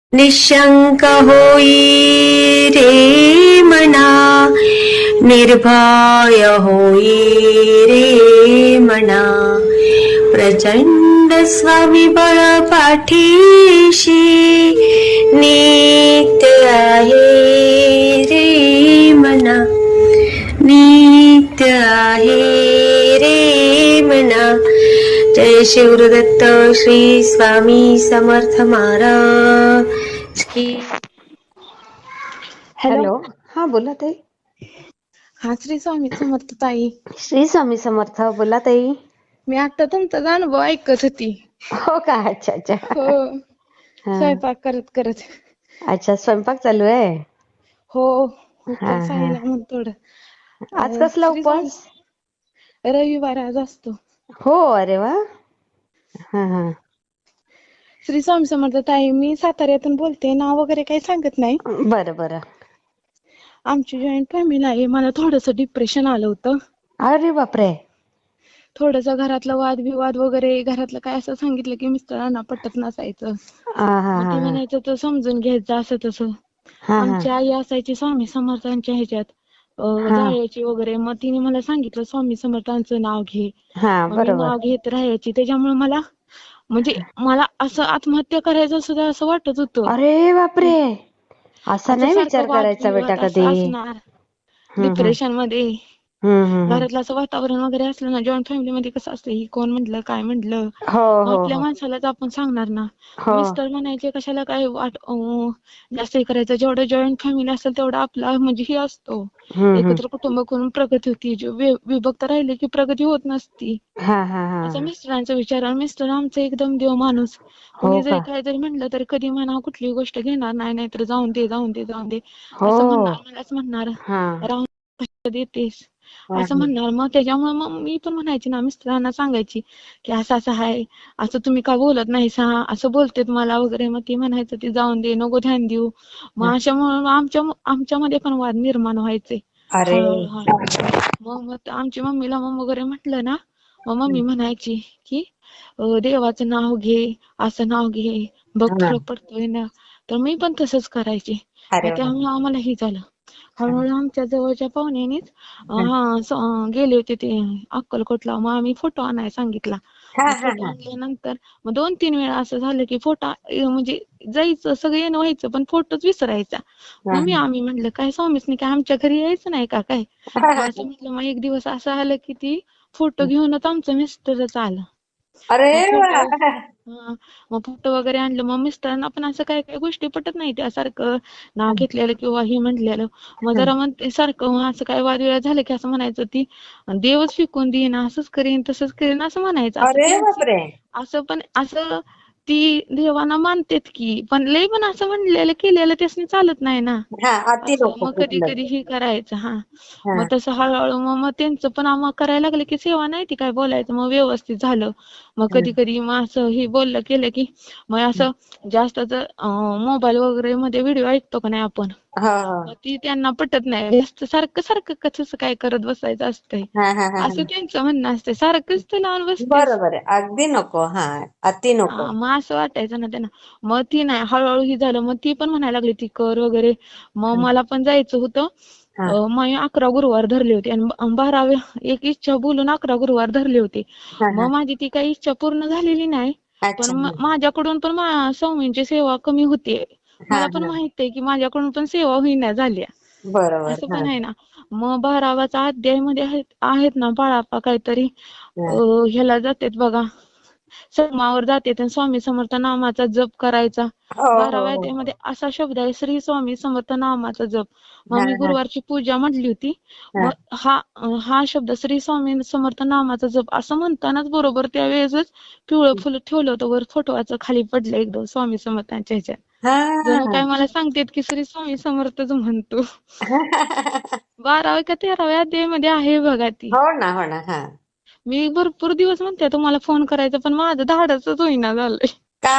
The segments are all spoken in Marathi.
निशंक होई रे मना, निर्भय होई रे मना, प्रचंड स्वामीबळ पाठीशी नित्य आहे रे मना, नित्य आहे रे मना. जय शिवदत्त श्री स्वामी समर्थ महाराज की. हॅलो. हा बोला ताई. हा, श्री स्वामी समर्थ ताई. श्री स्वामी समर्थ. बोला ताई. मी आता तुमचा अनुभव ऐकत होती. हो का? अच्छा अच्छा. हो, हा. स्वयंपाक करत करत. अच्छा, स्वयंपाक चालू आहे. हो, हा उपवास आहे हा. ना म्हणून थोडं. आज कसला श्री स्वामी, उपवास? रविवार आज असतो. हो, अरे वा. हा हा. श्री स्वामी समर्थ ताई, मी साताऱ्यातून बोलते. नाव वगैरे काही सांगत नाही. बरं बरं. आमची जॉईंट फॅमिली आहे. मला थोडंसं डिप्रेशन आलं होतं. अरे बापरे. थोडंसं घरातलं वादविवाद वगैरे, घरातलं काय असं सांगितलं की मिस्टरांना पटत नसायचं. हा हा मग ते हा म्हणायचं तर समजून घ्यायचं असं तसं. हा हा आमची आई असायची स्वामी समर्थांच्या ह्याच्यात हा जायची वगैरे. मग तिने मला सांगितलं स्वामी समर्थांचं नाव घे. हा. मग मी बरोबर. नाव घेत राहायची. त्याच्यामुळे मला असं आत्महत्या करायचं सुद्धा असं वाटत होतं. अरे बापरे. असा असं नाही सारखं विचार करायचा बेटा वादविवाद असं कधी. असणार हम्म हम्म डिप्रेशन मध्ये. हम्म. घरातलं असं वातावरण वगैरे असलं ना, जॉईंट फॅमिली मध्ये कसं असतं, ही कोण म्हटलं काय म्हटलं, हो मग हो आपल्या हो माणसालाच आपण सांगणार ना. हो. मिस्टर म्हणायचे कशाला काय जास्त हे करायचं. जेवढं जॉईंट फॅमिली असेल तेवढा आपला म्हणजे हे असतो, हम्म. एकत्र कुटुंब करून प्रगती होती. विभक्त राहिले की प्रगती होत नसती, हा हा हा. असं मिस्टरांचा विचार. आणि मिस्टर आमचं एकदम देव माणूस. हो कुणी जरी का? काय जरी म्हटलं तरी कधी म्हणा कुठली गोष्ट घेणार नाही, नाहीतर जाऊन दे जाऊन दे जाऊन दे हो. असं म्हणणार. मलाच म्हणणार हा राहून कशाला देतेस हा असं म्हणणार. मग त्याच्यामुळे मग मी पण म्हणायची ना, मिस्टरांना सांगायची की असं असं आहे, असं तुम्ही का बोलत नाही सा, असं बोलतेत मला वगैरे. मग ती म्हणायचं ती जाऊन दे, नको ध्यान देऊ. हा. मग अशामुळे आमच्यामध्ये पण वाद निर्माण व्हायचे अरे. हळूहळू. मग आमची मम्मीला मग वगैरे म्हटलं ना, मग मम्मी म्हणायची की देवाचं नाव घे, असं नाव घे, बघ हा. फरक पडतोय ना. तर मी पण तसंच करायचे. अरे मग वा. त्यामुळे आम्हाला हे झालं. हळूहळू आमच्या जवळच्या पाहुण्यानीच हा गेले होते ते अक्कलकोटला. मग आम्ही फोटो आणायला सांगितला. हा मग हा फोटो हा. आणल्यानंतर मग 2-3 वेळा असं झालं की फोटो म्हणजे जायचं सगळं येणं व्हायचं, पण फोटोच विसरायचा. मग आम्ही म्हटलं काय स्वामीसनी काय आमच्या घरी यायचं नाही का काय, मग असं म्हटलं. मग एक दिवस असं आलं की ती फोटो घेऊनच आमचं मिस्टरच आलं. अरे मग वा. मग फोटो वगैरे आणलं. मग मिस्टरांना पण असं काही काही गोष्टी पटत नाही, त्यासारखं नाव घेतलेलं किंवा हे म्हटलेलं. मग जरा मग ते सारखं असं काय वादविवाद झालं की असं म्हणायचं ती देवच फेकून देईन, असंच करीन तसंच करीन असं म्हणायचं. असं अरे त्यांची बापरे. असं पण असं ती देवाना मानतेत की, पण लय पण असं म्हणलेलं केलेलं त्यासनी चालत नाही ना. हा, अति असं नको मग कधी कुठलं. कधी हे करायचं. हा मग तसं हळूहळू मग त्यांचं पण आम्हाला करायला लागलं की सेवा नाही ती काय बोलायचं. मग व्यवस्थित झालं. मग हा कधी कधी मग असं हे बोललं केलं की मग असं जास्त जर मोबाईल वगैरे मध्ये व्हिडिओ ऐकतो का नाही आपण, हा मग ती त्यांना पटत नाही. जास्त सारखं सारखं कसं काय करत बसायचं असतंय, हा हा हा असं हा. त्यांचं म्हणणं असतंय. सारखंच ते लावून बसतेस. बरोबर आहे, अगदी नको. हा, अति नको. मग असं वाटायचं ना त्यांना. मग ती नाही, हळूहळू ही झालं. मग ती पण म्हणायला लागली ती कर वगैरे. मग मला पण जायचं होतं. हा मग 11 गुरुवार धरले होते आणि 12 एक इच्छा बोलून 11 गुरुवार धरले होते. हा मग हा. माझी ती काही इच्छा पूर्ण झालेली नाही, पण अच्छा. माझ्याकडून पण स्वामींची सेवा कमी होतीये. हा मला पण हा. माहित आहे की माझ्याकडून पण सेवा होईना झाल्या, बरोबर. असं हा पण आहे ना. मग 12वाचा अध्याय मध्ये आहेत ना बाळाप्पा काहीतरी हा. ह्याला जातेत बघा, समावर जातेत आणि स्वामी समर्थ नामाचा जप करायचा. हो हो 12व्या हो. अध्यायामध्ये असा शब्द आहे, श्री स्वामी समर्थ नामाचा जप. मग हा मी हा गुरुवारची पूजा म्हटली होती. हा. मग हा शब्द श्री स्वामी समर्थ नामाचा जप असं म्हणतानाच बरोबर त्यावेळेसच पिवळं फुल ठेवलं होतं वर फोटोचं, खाली पडलं एकदम स्वामी समर्थांच्या ह्याच्यात. जणू हा. काय मला सांगतेत की श्री स्वामी समर्थच म्हणतो. 12व्या का 13व्या अध्यायामध्ये आहे बघा ती. हो ना, हो ना. हा. मी भरपूर दिवस म्हणते तुम्हाला फोन करायचा, पण माझं धाडसच होईना झालंय. का?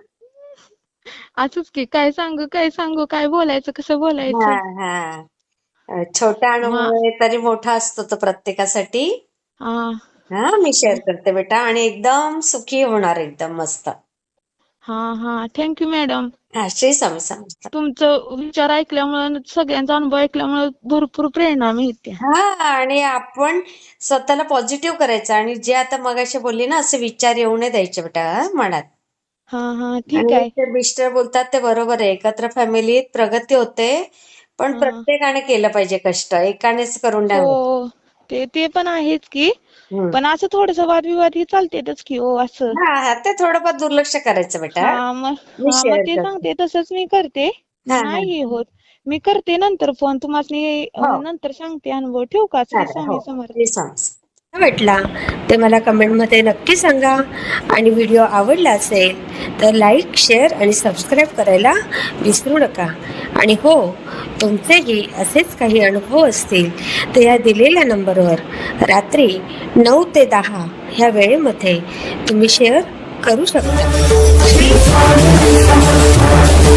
असंच की काय सांगू काय सांगू, काय बोलायचं कसं हा बोलायचं. हा. छोटा मग अनुभव आहे तरी मोठा असतो तो प्रत्येकासाठी. हा हा, मी शेअर करते बेटा आणि एकदम सुखी होणार, एकदम मस्त. हा थँक्यू मॅडम. हा, श्री स्वामी समर्थ. तुमचं विचार ऐकल्यामुळे, सगळ्यांचा अनुभव ऐकल्यामुळे भरपूर प्रेरणा मिळते. हा, आणि आपण स्वतःला पॉझिटिव्ह करायचं, आणि जे आता मगाशी बोलली ना, असे विचार येऊ नये द्यायचे बेटा मनात. हा ठीक आणि आहे. ते मिस्टर बोलतात ते बरोबर आहे, एकत्र फॅमिलीत प्रगती होते, पण हा प्रत्येकाने केलं पाहिजे कष्ट, एकानेच करून नाही होत. हो, ते पण आहेच की, हम्म. पण असं थोडस वादविवाद ही चालतेच की हो असं. हा, ते थोडंफार दुर्लक्ष करायचं बेटा. मी मग शेअर ते करते. सांगते तसंच मी करते. हा हा. नाही हे होत, मी करते नंतर फोन तुम्हाला, हो, नंतर सांगते अनुभव. ठेवू का? श्री चालेल. हो, स्वामी समर्थ. श्री स्वामी. भेटला ते मला कमेंटमध्ये नक्की सांगा, आणि व्हिडिओ आवडला असेल तर लाईक, शेअर आणि सबस्क्राईब करायला विसरू नका. आणि हो, तुमचेही असेच काही अनुभव असतील तर या दिलेल्या नंबरवर रात्री 9 ते 10 ह्या वेळेमध्ये तुम्ही शेअर करू शकता.